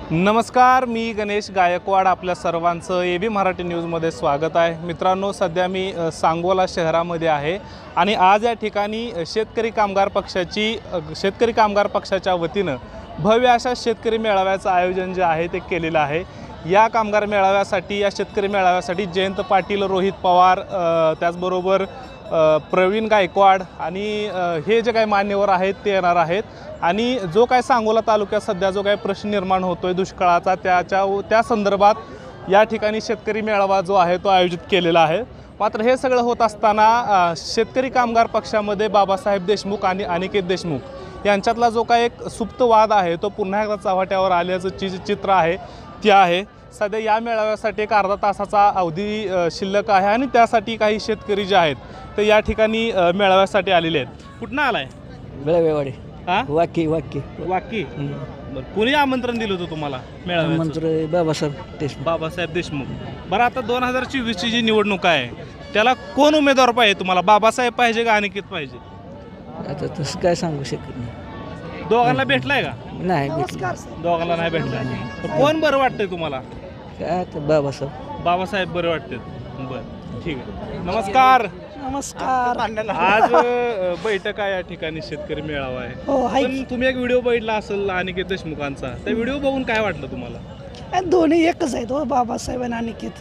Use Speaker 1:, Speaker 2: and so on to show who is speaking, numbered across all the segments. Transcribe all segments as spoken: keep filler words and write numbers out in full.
Speaker 1: नमस्कार, मी गणेश गायकवाड. आपल्या सर्वांचं ए बी मराठी न्यूजमध्ये स्वागत आहे. मित्रांनो, सध्या मी सांगोला शहरामध्ये आहे आणि आज या ठिकाणी शेतकरी कामगार पक्षाची शेतकरी कामगार पक्षाच्या वतीनं भव्य अशा शेतकरी मेळाव्याचं आयोजन जे आहे ते केलेलं आहे. या कामगार मेळाव्यासाठी या शेतकरी मेळाव्यासाठी जयंत पाटील, रोहित पवार, त्याचबरोबर प्रवीण गायकवाड आणि हे जे काही मान्यवर आहेत ते येणार आहेत. आणि जो काय सांगोला तालुक्यात सध्या जो काही प्रश्न निर्माण होतोय दुष्काळाचा, त्याच्या त्या संदर्भात या ठिकाणी शेतकरी मेळावा जो आहे तो आयोजित केलेला आहे. मात्र हे सगळं होत असताना शेतकरी कामगार पक्षामध्ये बाबासाहेब देशमुख आणि अनिकेत देशमुख यांच्यातला जो काय एक सुप्त वाद आहे तो पुन्हा एकदा चव्हाट्यावर आल्याचं चि चित्र आहे ते आहे. सध्या या मेळाव्यासाठी एक अर्धा तासाचा अवधी शिल्लक आहे आणि त्यासाठी काही शेतकरी जे आहेत ते या ठिकाणी मेळाव्यासाठी आलेले आहेत. कुठनं आलाय?
Speaker 2: बेळवेवाडी.
Speaker 1: हा,
Speaker 2: वाकी वाकी
Speaker 1: वाकी. बरं, कोणी आमंत्रण दिलं होतं तुम्हाला मेळाव्याचं?
Speaker 2: मंत्री बाबासाहेब देशमुख.
Speaker 1: बाबासाहेब देशमुख. बरं, आता दोन हजार चोवीसची जी निवडणूक आहे त्याला कोण उमेदवार पाहिजे तुम्हाला? बाबासाहेब पाहिजे का अनिकेत पाहिजे?
Speaker 2: आता तसं काय सांगू शकत नाही.
Speaker 1: दोघांना भेटलाय का?
Speaker 2: नाही भेटलं.
Speaker 1: दोघांना नाही भेटलाय. तर कोण बरं वाटतंय तुम्हाला?
Speaker 2: काय आता बाबासाहेब.
Speaker 1: बाबासाहेब बरं वाटतात. बरं, ठीक आहे. नमस्कार.
Speaker 2: नमस्कार.
Speaker 1: आज अ, बैठक आहे या ठिकाणी, शेतकरी मेळावा आहे.
Speaker 2: हो,
Speaker 1: पण तुम्ही एक व्हिडिओ बघितला असेल अनिकेत देशमुखांचा. त्या व्हिडिओ बघून काय वाटलं तुम्हाला?
Speaker 3: दोन्ही एकच आहेत हो, बाबासाहेब आणि अनिकेत.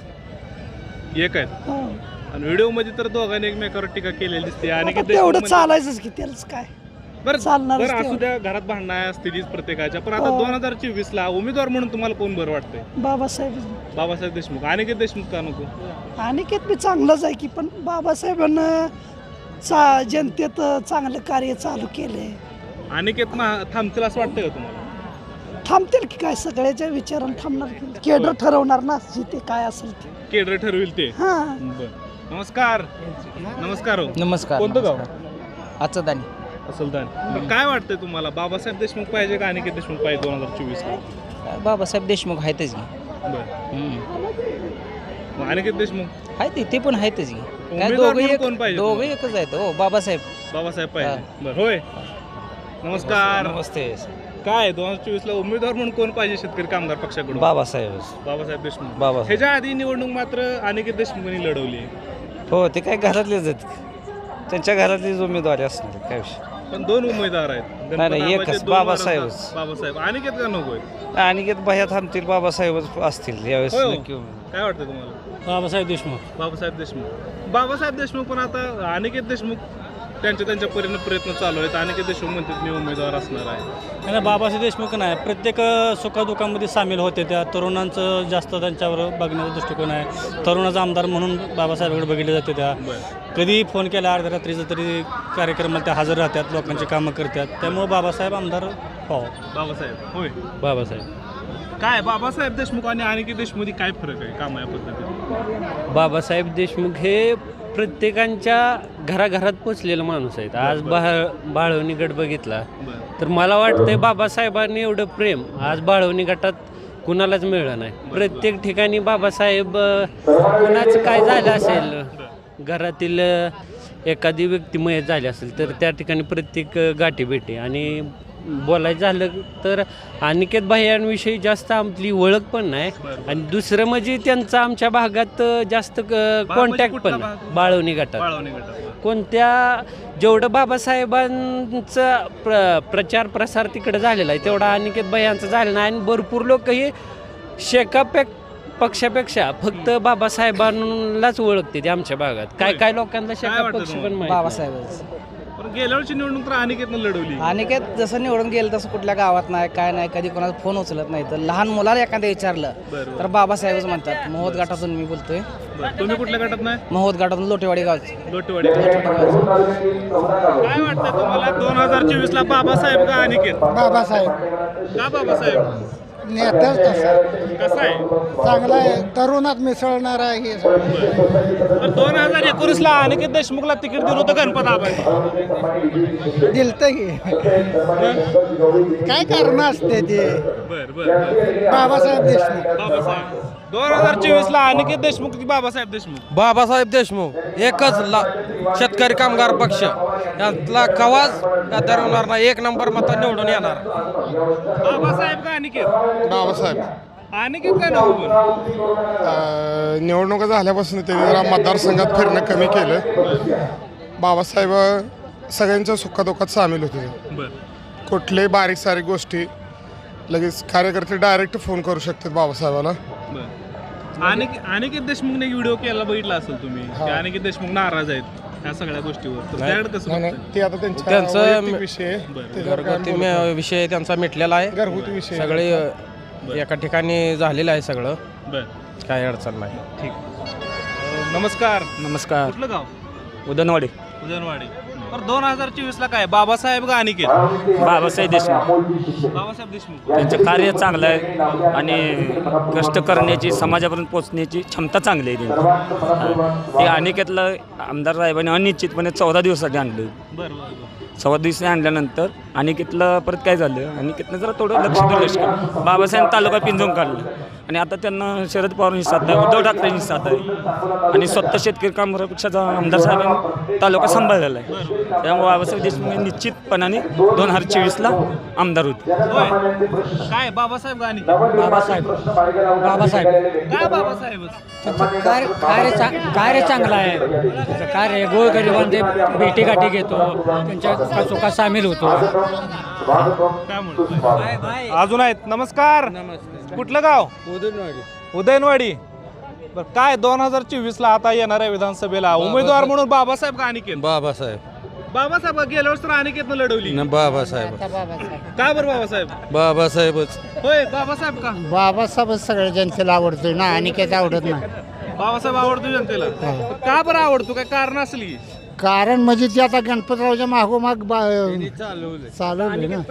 Speaker 1: एक आहेत
Speaker 3: हो.
Speaker 1: आणि व्हिडिओ मध्ये तर दोघांनी एकमेकावर टीका केलेली दिसते. अनिकेत
Speaker 3: तेवढं
Speaker 1: देशमुख
Speaker 3: चालायचंच की, त्यालाच काय
Speaker 1: बरं
Speaker 3: चालणारच
Speaker 1: बरं असू
Speaker 3: तेवढं.
Speaker 1: द्या, घरात भांडणं असतीच प्रत्येकाच्या. पण आता
Speaker 3: हो.
Speaker 1: दोन हजार चोवीस ला उमेदवार म्हणून तुम्हाला कोण बरं वाटतंय?
Speaker 3: बाबासाहेब.
Speaker 1: बाबासाहेब देशमुख. अनिकेत देशमुख का नको?
Speaker 3: अनिकेत बी चांगलंच आहे की, पण बाबासाहेबांना चा जनतेत चांगलं कार्य चालू केलंय.
Speaker 1: अनिकेत मा- थांबतील असं वाटतंय का तुम्हाला?
Speaker 3: थांबतील की काय, सगळ्याच्या विचारानं थांबणार की. केडर ठरवणार ना जिथे काय असेल ते.
Speaker 1: केडर ठरविल ते.
Speaker 3: हा.
Speaker 1: बरं, नमस्कार. नमस्कार हो.
Speaker 2: नमस्कार.
Speaker 1: कोणतं गाव?
Speaker 2: आजचं दानी.
Speaker 1: असलदान. बरं, काय वाटतंय तुम्हाला? बाबासाहेब देशमुख पाहिजे का अनिकेत देशमुख पाहिजे दोन हजार चोवीस ला?
Speaker 2: बाबासाहेब देशमुख आहेतच की.
Speaker 1: बरं, मग अनिकेत देशमुख
Speaker 2: आहेत ते पण आहेतच की. काय
Speaker 1: उमेदवार
Speaker 2: दोघं
Speaker 1: म्हणून
Speaker 2: एक
Speaker 1: कोण पाहिजे
Speaker 2: दोघं
Speaker 1: तुम्हाला?
Speaker 2: एकच आहेत हो, बाबासाहेब.
Speaker 1: बाबासाहेब पाहिजे. बरं, होय. नमस्कार.
Speaker 2: नमस्ते.
Speaker 1: काय दोन हजार चोवीस ला उमेदवार म्हणून कोण पाहिजे शेतकरी कामगार पक्षाकडून?
Speaker 2: बाबासाहेब.
Speaker 1: बाबासाहेब देशमुख.
Speaker 2: बाबासाहेब.
Speaker 1: ह्याच्या आधी निवडणूक मात्र अनिकेत देशमुखांनी लढवली.
Speaker 2: हो, ते काय घरातलेच आहेत, त्यांच्या घरातलीच उमेदवारी असणार. काय विषय.
Speaker 1: पण दोन उमेदवार आहेत.
Speaker 2: नाही, नाही,
Speaker 1: गणपत
Speaker 2: एकच,
Speaker 1: आबाचे दोन
Speaker 2: बाबासाहेबच.
Speaker 1: वारसदार. बाबासाहेब. अनिकेत का नकोय?
Speaker 2: अनिकेत भैया थांबतील, बाबासाहेबच असतील यावेळेस.
Speaker 1: होय हो.
Speaker 2: नक्की.
Speaker 1: काय वाटतं तुम्हाला?
Speaker 2: बाबासाहेब देशमुख.
Speaker 1: बाबासाहेब देशमुख. बाबासाहेब देशमुख पण आता अनिकेत देशमुख त्यांच्या त्यांच्या परीने प्रयत्न चालू आहेत. अनिकेत देशमुख म्हणतात मी उमेदवार असणार आहे.
Speaker 4: नाही, बाबासाहेब देशमुख नाही, प्रत्येक सुखदुःखामध्ये सामील होते. त्या तरुणांचं जास्त त्यांच्यावर बघण्याचा दृष्टिकोन आहे. तरुणाचा आमदार म्हणून बाबासाहेबांकडे बघितले जाते. त्या कधी फोन केला अर्ध्या रात्रीचं तरी कार्यक्रमाला त्या हजर राहतात, लोकांची कामं करतात. त्यामुळे बाबासाहेब आमदार हो.
Speaker 1: बाबासाहेब. होय.
Speaker 4: बाबासाहेब.
Speaker 1: काय बाबासाहेब देशमुख आणि अनिकेत देशमुख काय फरक आहे काम या पद्धतीत?
Speaker 5: बाबासाहेब देशमुख हे प्रत्येकांच्या घराघरात पोचलेला माणूस आहेत. आज बाळ बाळवणी गट बघितला तर मला वाटतंय बाबासाहेबांनी एवढं प्रेम आज बाळवणी गटात कुणालाच मिळलं नाही. प्रत्येक ठिकाणी बाबासाहेब कुणाचं काय झालं असेल, घरातील एखादी व्यक्ती मयत झाली असेल तर त्या ठिकाणी प्रत्येक गाठी भेटे. आणि बोलायचं झालं तर अनिकेत भैयांविषयी जास्त आपली ओळख पण नाही. आणि दुसरं म्हणजे त्यांचा आमच्या भागात जास्त कॉन्टॅक्ट पण नाही. बाळवणी गटात
Speaker 1: बाळवणी गटात
Speaker 5: कोणत्या जेवढं बाबासाहेबांचा प्र प्रचार प्रसार तिकडे झालेला आहे तेवढा अनिकेत भैयांचा झालेला नाही. आणि भरपूर लोक हे शेकापेक पक्षापेक्षा फक्त बाबासाहेबांनाच ओळखते ते आमच्या भागात. काय काय लोकांना शेका
Speaker 1: वाटतं
Speaker 5: पक्ष पण
Speaker 1: तुम्हाला?
Speaker 5: माहिती नाही.
Speaker 2: बाबासाहेब.
Speaker 1: पण गेल्या वर्षी निवडणूक तर अनिकेतनं लढवली.
Speaker 2: अनिकेत जसं निवडून गेलं तसं कुठल्या गावात नाही, काय नाही, कधी कोणाचा फोन उचलत नाही. तर लहान मुलाला एखाद्या विचारलं
Speaker 1: बरोबर.
Speaker 2: तर बाबासाहेबच म्हणतात. महोद गटातून मी बोलतोय.
Speaker 1: बरं, तुम्ही कुठल्या गटात नाही?
Speaker 2: महोद गटातून लोटेवाडी गावचे.
Speaker 1: लोटेवाडी. काय वाटतं तुम्हाला दोन हजार चोवीस ला बाबासाहेब का अनिकेत?
Speaker 6: बाबासाहेब.
Speaker 1: का बाबासाहेब?
Speaker 6: नेताच तसा
Speaker 1: कसं आहे?
Speaker 6: चांगला आहे, तरुणात मिसळणार आहे हे.
Speaker 1: तर दोन हजार एकोणीस ला अनिकेत देशमुखला तिकीट दिलं होतं गणपत आबांनी.
Speaker 6: दिलत की काय कारण असते ते.
Speaker 1: बर बर बर
Speaker 6: बाबासाहेब देशमुख
Speaker 1: बाबासाहेब दोन हजार चोवीस ला अनिकेत देशमुख की बाबासाहेब देशमुख?
Speaker 7: बाबासाहेब देशमुख एकच ला शेतकरी कामगार पक्ष यातला कवाज ठरवणार नाही, एक नंबर मता निवडून येणार.
Speaker 1: बाबासाहेब का अनिकेत?
Speaker 8: बाबासाहेब
Speaker 1: अनिकेत काय नको पण?
Speaker 8: अं, निवडणुका झाल्यापासून त्यांनी जरा मतदारसंघात फिरणं कमी केलं. बाबासाहेब सगळ्यांच्या सुखादुखात सामील होते.
Speaker 1: बर
Speaker 8: कुठल्याही बारीक सारीक गोष्टी लगेच कार्यकर्ते डायरेक्ट फोन करू शकतात बाबासाहेबाला.
Speaker 1: बर अनिकेत अनिकेत देशमुखने व्हिडिओ केला बघितला असेल तुम्ही की अनिकेत देशमुख नाराज आहेत या सगळ्या गोष्टीवर, तर त्याकडे कसं
Speaker 8: नाही नाही,
Speaker 1: बघताय?
Speaker 8: ते आता त्यांच्या
Speaker 7: त्यांचं
Speaker 8: वैयक्तिक विषय आहे.
Speaker 1: बरं.
Speaker 8: त्याच्यावर काय
Speaker 7: घरगुती
Speaker 8: बोलू नका.
Speaker 7: विषय त्यांचा मिटलेला आहे.
Speaker 8: घरगुती विषय आहे.
Speaker 7: सगळे अ, एका ठिकाणी झालेलं आहे सगळं,
Speaker 1: बर
Speaker 7: काही अडचण नाही.
Speaker 1: ठीक अं, नमस्कार,
Speaker 9: नमस्कार.
Speaker 1: कुठलं गाव?
Speaker 9: उदनवाडी.
Speaker 1: उदयनवाडी. तर दोन हजार चोवीस ला काय बाबासाहेब का अनिकेत?
Speaker 9: बाबासाहेब देशमुख.
Speaker 1: बाबासाहेब देशमुख.
Speaker 9: त्यांचं कार्य चांगलं आहे आणि कष्ट करण्याची समाजापर्यंत पोहोचण्याची क्षमता चांगली आहे त्यांची. हा. ते अनिकेतला आमदार साहेबांनी अनिश्चितपणे चौदा दिवसासाठी आणलं.
Speaker 1: बरं बरं बरं
Speaker 9: चौदा दिवसांनी आणल्यानंतर अनिकेतला परत काय झालं, अनिकेतनं जरा थोडं लक्ष दुर्लक्ष केलं. बाबासाहेब तालुका पिंजून काढलं आणि आता त्यांना शरद पवारांची साथ आहे, उद्धव ठाकरेंची साथ आहे आणि स्वतः शेतकरी कामगारपक्षाचा आमदार साहेबांनी तालुका सांभाळलेला आहे. त्यामुळे बाबासाहेब देशमुख हे निश्चितपणाने दोन हजार चोवीसला आमदार होते.
Speaker 1: होय. काय बाबासाहेब का अनिकेत?
Speaker 2: बाबासाहेब बाबासाहेब
Speaker 1: काय बाबासाहेब?
Speaker 2: त्यांचं कार्य कार्य चा कार्य चांगलं आहे. त्यांचं कार्य गोरगरिबांचे भेटीगाठी घेतो, त्यांच्या सुखात सामील होतो.
Speaker 1: काय म्हणतोय? अजून आहेत. नमस्कार, कुठलं गाव? उदयनवाडी. बर काय दोन हजार चोवीस ला आता येणाऱ्या विधानसभेला उमेदवार म्हणून बाबासाहेब का अनिकेत?
Speaker 7: बाबासाहेब
Speaker 1: बाबासाहेब का? गेल्या वर्षी तर अनिकेतनं लढवली.
Speaker 7: बाबासाहेब
Speaker 1: का बरं बाबासाहेब?
Speaker 7: बाबासाहेबच.
Speaker 1: होय बाबासाहेब का?
Speaker 6: बाबासाहेब सगळ्या जनतेला आवडतोय ना, अनिकेत आवडत नाही.
Speaker 1: बाबासाहेब आवडतो जनतेला. का बरं आवडतो? काय कारण असली की?
Speaker 6: कारण म्हणजे ते आता गणपतरावच्या मागोमाग चालवले ना.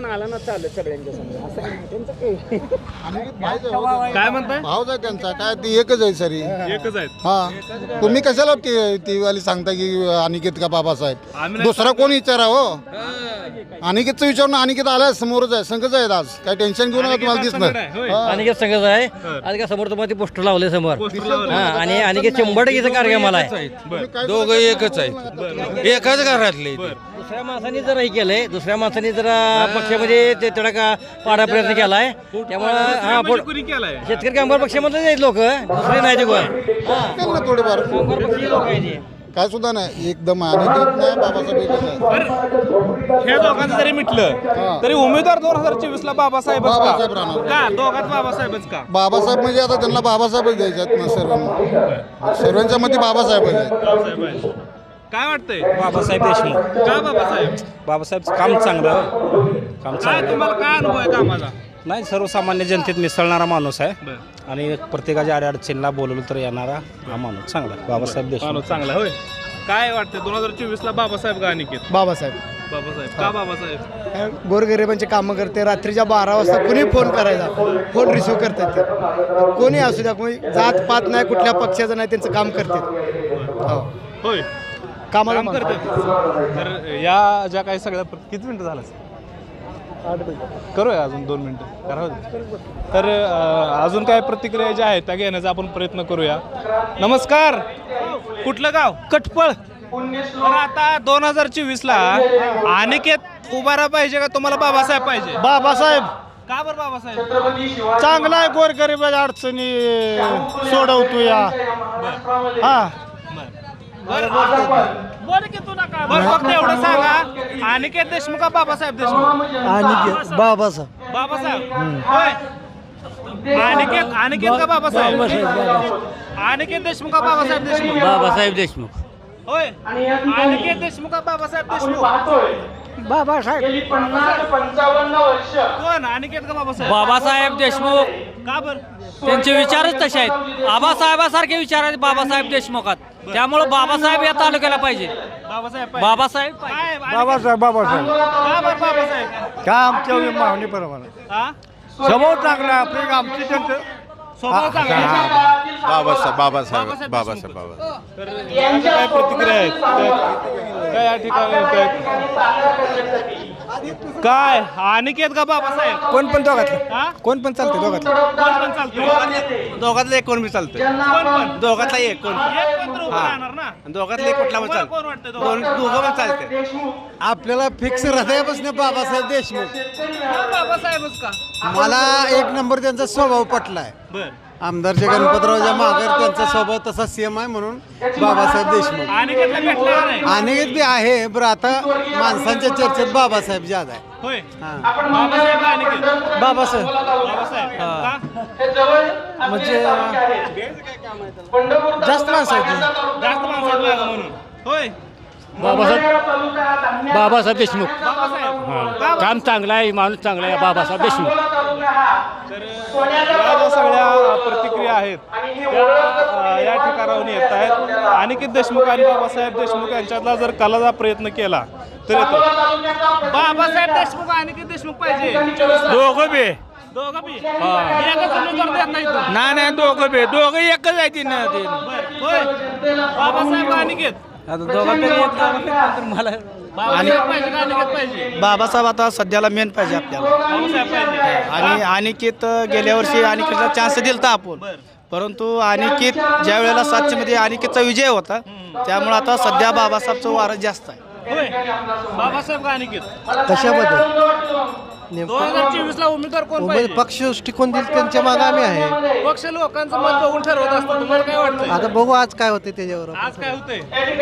Speaker 1: काय म्हणताय?
Speaker 10: भावच आहे त्यांचा, काय ती एकच आहे सरी.
Speaker 1: एकच आहेत.
Speaker 10: हा तुम्ही कशाला ती ती वाली सांगता की अनिकेत का बाबासाहेब?
Speaker 1: आम्ही नाही
Speaker 10: दुसरा कोण विचारा हो. अनिकेतचं विचारून अनिकेत आलाय, समोरच आहे, संघच आहेत आज. काय टेन्शन घेऊ नका, तुम्हाला
Speaker 1: संगड आहे, होय.
Speaker 10: दिसणार.
Speaker 2: अनिकेत संघच आहे. अनिकेत समोर तुम्हाला पोस्टर लावले समोर.
Speaker 1: पोस्टर लावलंय.
Speaker 2: हा, आणि अनिकेत शंभर टक्के कार्यक्रम आहे.
Speaker 7: दोघं एकच आहेत, एकाच घरातले.
Speaker 2: दुसऱ्या माणसाने जर हे केलंय, दुसऱ्या माणसाने जरा पक्षामध्ये ते थोडा का पाडा प्रयत्न केलाय. त्यामुळं हा
Speaker 1: म्हणजे
Speaker 2: पोट-
Speaker 1: कुणी केलाय?
Speaker 2: शेतकरी कामगार पक्षामधले आहेत लोक, दुसरे नाही ते कोण.
Speaker 10: त्यांना थोडेफार
Speaker 2: कामगार पक्षी लोक आहेत ते.
Speaker 10: काय सुद्धा नाही, एकदम अनिकेत नाही, बाबासाहेब एकच आहे.
Speaker 1: बरं, हे दोघांचं जरी मिटलं तरी उमेदवार दोन हजार चोवीस ला बाबासाहेब
Speaker 10: बाबासाहेब राहणार.
Speaker 1: का? दोघात बाबासाहेबच का?
Speaker 10: बाबासाहेब म्हणजे आता त्यांना बाबासाहेबच द्यायचे आहेत ना सर्वांना. सर्वांच्या मध्ये बाबासाहेबच आहेत.
Speaker 1: बाबासाहेब आहे. काय वाटतंय?
Speaker 9: बाबासाहेब देशमुख.
Speaker 1: का बाबासाहेब?
Speaker 9: बाबासाहेब काम चांगलं काम
Speaker 1: काय तुम्हाला काय अनुभव आहे कामाचा?
Speaker 9: नाही, सर्वसामान्य जनतेत मिसळणारा माणूस आहे
Speaker 1: बरं.
Speaker 9: आणि प्रत्येकाच्या अडचणीला बोलवलं तर येणारा हा माणूस चांगला आहे. बाबासाहेब देशमुख.
Speaker 1: माणूस चांगला होय. काय वाटतंय दोन हजार चोवीस ला बाबासाहेब का अनिकेत?
Speaker 6: बाबासाहेब
Speaker 1: बाबासाहेब. का बाबासाहेब?
Speaker 6: गोरगरिबांचे कामं करते. रात्रीच्या बारा वाजता कुणी फोन करायचा, फोन रिसिव्ह करतात ते. कोणी असू द्या, कोणी जात पात नाही, कुठल्या पक्षाचं नाही, त्यांचं काम करतात.
Speaker 1: होय,
Speaker 6: कामाला
Speaker 1: काम करते. तर या ज्या काही सगळ्या किती मिनिटं झालं? करूया अजून दोन मिनिटं करा. तर अं, अजून काय प्रतिक्रिया ज्या आहेत त्या घेण्याचा आपण प्रयत्न करूया. नमस्कार, कुठलं गाव? कटपळ. तर आता दोन हजार चोवीस ला अनिकेत उभारा पाहिजे का तुम्हाला बाबासाहेब पाहिजे?
Speaker 6: बाबासाहेब
Speaker 1: का बरं बाबासाहेब?
Speaker 6: चांगला आहे, गोरगरिबाच्या अडचणी सोडवतो या. हा
Speaker 1: बरं फक्त एवढं सांगा, अनिकेत देशमुख का बाबासाहेब देशमुख?
Speaker 6: अनिकेत बाबासाहेब
Speaker 1: बाबासाहेब होय. अनिकेत अनिकेत का बाबासाहेब? अनिकेत देशमुख का बाबासाहेब देशमुख?
Speaker 2: बाबासाहेब देशमुख.
Speaker 1: होय. अनिकेत देशमुख का बाबासाहेब देशमुख?
Speaker 6: बाबासाहेब
Speaker 1: कोण? अनिकेत का बाबासाहेब?
Speaker 2: बाबासाहेब देशमुख.
Speaker 1: का बरं?
Speaker 2: त्यांचे विचारच तसे आहेत. आबासाहेबासारखे विचार आहेत बाबासाहेब देशमुखात. त्यामुळे बाबासाहेब या तालुक्याला पाहिजे.
Speaker 1: बाबासाहेब पाहिजे.
Speaker 2: बाबासाहेब
Speaker 1: काय? अनिकेत-
Speaker 6: बाबासाहेब बाबासाहेब
Speaker 1: का बरं बाबासाहेब?
Speaker 6: काय आमच्या मागणी बरोबर
Speaker 1: हा?
Speaker 6: स्वभाव चांगला आहे आपली, आमची त्यांचं
Speaker 1: स्वभाव चांगला आहे.
Speaker 10: बाबासाहेब बाबासाहेब
Speaker 1: बाबासाहेब
Speaker 10: बाबासाहेब
Speaker 1: देशमुख.
Speaker 10: बाबा
Speaker 1: तर यांच्या काय प्रतिक्रिया आहेत त्या- काय या ठिकाणी काय- काय अनिकेत का बाबासाहेब
Speaker 6: कोण पण दोघातलं
Speaker 1: हा
Speaker 6: कोण पण चालते दोघातलं
Speaker 1: कोण पण चालतंय
Speaker 6: दोघातलं एक कोण बी चालतंय
Speaker 1: कोण पण
Speaker 6: दोघातला एक कोण
Speaker 1: एक पण तर उभं राहणार ना
Speaker 6: दोघातलं एक कुठला पण
Speaker 1: तुम्हाला
Speaker 6: चालतं
Speaker 1: कोण वाटतं दोघं?
Speaker 6: दोघं पण चालते आपल्याला फिक्स हृदयापासून बाबासाहेब देशमुख
Speaker 1: हा, बाबासाहेबच का
Speaker 6: मला एक नंबर त्यांचा स्वभाव पटलाय
Speaker 1: बर
Speaker 6: आमदारचे गणपतरावच्या माघार त्यांचा स्वभाव तसा सेम आहे म्हणून बाबासाहेब देशमुख
Speaker 1: अनिकेतला भेटला का नाही
Speaker 6: अनेक बी आहे बरं आता माणसांच्या चर्चेत बाबासाहेब ज्यादा आहे
Speaker 1: होय बाबासाहेब का अनिकेत
Speaker 6: बाबासाहेब
Speaker 1: बाबासाहेब का
Speaker 6: म्हणजे जास्त माणसं आहेत
Speaker 1: जास्त माणसात लागा म्हणून होय
Speaker 2: बाबासाहेब बाबासाहेब देशमुख
Speaker 1: बाबासाहेब का बरं?
Speaker 2: काम चांगलं आहे माणूस चांगला आहे बाबासाहेब देशमुख
Speaker 1: तर या ज्या सगळ्या प्रतिक्रिया आहेत त्या अ, या ठिकाणाहून येत आहेत अनिकेत देशमुख आणि बाबासाहेब देशमुख यांच्यातला जर कलाचा प्रयत्न केला तर येतो बाबासाहेब देशमुख अनिकेत देशमुख पाहिजे
Speaker 2: दोघं बी
Speaker 1: दोघं बी एकच उमेदवार देत नाही तू
Speaker 2: नाही नाही दोघं बी दोघं एकच आहे ती ना ते
Speaker 1: बरं, होय बाबासाहेब का अनिकेत
Speaker 6: आता दोघांपैकी मला
Speaker 1: बाबासाहेब पाहिजे का अनिकेत पाहिजे
Speaker 6: बाबासाहेब आता सध्याला मेन पाहिजे आपल्याला
Speaker 1: बाबासाहेब पाहिजे
Speaker 6: आणि अनिकेत गेल्या वर्षी अनिकेतला चान्स दिलता आपण
Speaker 1: बरं.
Speaker 6: परंतु अनिकेत ज्या वेळेला सातशेमध्ये अनिकेतचा विजय होता त्यामुळे आता सध्या बाबासाहेबचं वारं जास्त आहे
Speaker 1: होय बाबासाहेब का अनिकेत
Speaker 6: कशाबद्दल
Speaker 1: दोन हजार चोवीस ला उमेदवार कोण पाहिजे
Speaker 6: पक्ष दृष्टिकोन दिल त्यांच्या मागे आम्ही आहे
Speaker 1: पक्ष लोकांचं मत बघून ठरवत असतं तुम्हाला काय वाटतंय
Speaker 6: आता बघू आज काय होते त्याच्यावर
Speaker 1: आज काय होतंय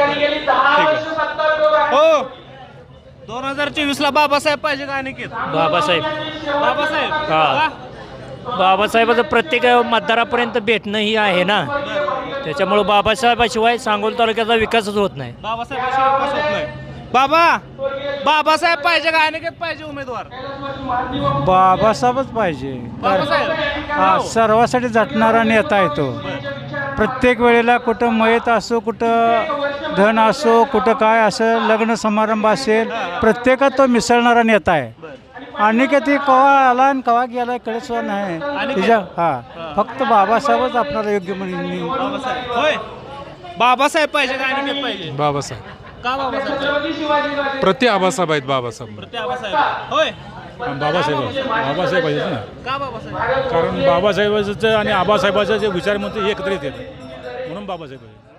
Speaker 1: हो दोन हजार चोवीस ला बाबासाहेब पाहिजे का अनिकेत
Speaker 2: बाबासाहेब
Speaker 1: बाबासाहेब
Speaker 2: हा.
Speaker 1: का?
Speaker 2: बाबासाहेबाचं प्रत्येक मतदारापर्यंत भेटणं ही आहे ना त्याच्यामुळे बाबासाहेबाशिवाय सांगोल तालुक्याचा विकासच होत नाही
Speaker 1: बाबासाहेबाशिवाय विकास होत नाही बाबा बाबासाहेब पाहिजे का अनिकेत पाहिजे उमेदवार
Speaker 11: बाबासाहेबच पाहिजे
Speaker 1: बाबासाहेब
Speaker 11: हा सर्वासाठी झटणारा नेता आहे तो प्रत्येक वेळेला कुठं मयत असो कुठं धन असो कुठं काय असं लग्न समारंभ असेल प्रत्येकात तो मिसळणारा नेता आहे आणि का ती कवा आला आणि कवा गेला कळत सुद्धा नाही त्याच्या हा फक्त बाबासाहेबच आपल्याला योग्य म्हणून
Speaker 1: बाबासाहेब होय बाबासाहेब पाहिजे का अनिकेत पाहिजे
Speaker 12: बाबासाहेब
Speaker 1: का बाबासाहेब
Speaker 12: प्रति आबासाहेब आहेत बाबासाहेब
Speaker 1: प्रति बाबासाहेब होय
Speaker 11: बाबासाहेब बाबासाहेब पाहिजे ना
Speaker 1: का बाबासाहेब
Speaker 11: कारण बाबासाहेबाचं आणि आबासाहेबाचं जे विचार म्हणतो एकत्रित येतं म्हणून बाबासाहेब पाहिजे